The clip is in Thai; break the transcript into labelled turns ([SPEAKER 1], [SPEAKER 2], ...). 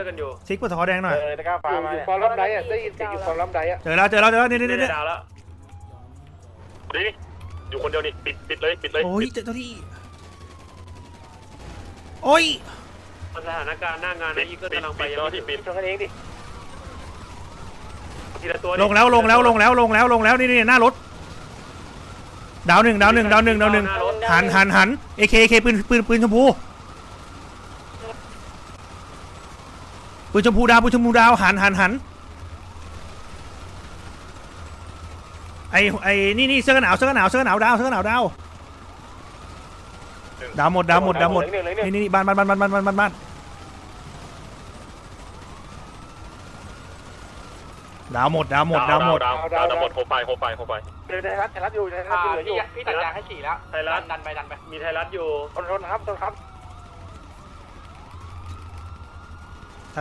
[SPEAKER 1] กันอยู่
[SPEAKER 2] ซิกปวดท้อแดงหน่อย
[SPEAKER 3] นะครับฟ้ามาอยู่ฟอร์ลัมไดอ่ะได้ยินเสียงอยู่ฟอร์ลัมไดอ่ะ
[SPEAKER 2] เจอแล้วนี่
[SPEAKER 1] ดาวแล้ว
[SPEAKER 4] ดิอยู่คนเดียวนี่ปิดเลย
[SPEAKER 2] โอ้ยเจอตัวที่โอ้ย
[SPEAKER 1] สถานการณ์หน้างานนะอีเกิลกำลังไปยังไม่ถึง
[SPEAKER 3] ชนกันเองดิ
[SPEAKER 1] ทีละตัว
[SPEAKER 2] ลงแล้วนี่หน้ารถดาวหนึ่งหันเอเคปืนชมพูปืนชมพูดาวหันไอ้นี่เสื้อกันหนาวดาวหมดนี่บ้านดาวหมด
[SPEAKER 4] โฮไป
[SPEAKER 3] เดี๋ยวไทยรัฐอยู่
[SPEAKER 1] พี่ตัดยางให้4แล้ว
[SPEAKER 3] ไทยรัฐ
[SPEAKER 1] ดันไปมีไทยรัฐอยู่
[SPEAKER 3] ต้นครับ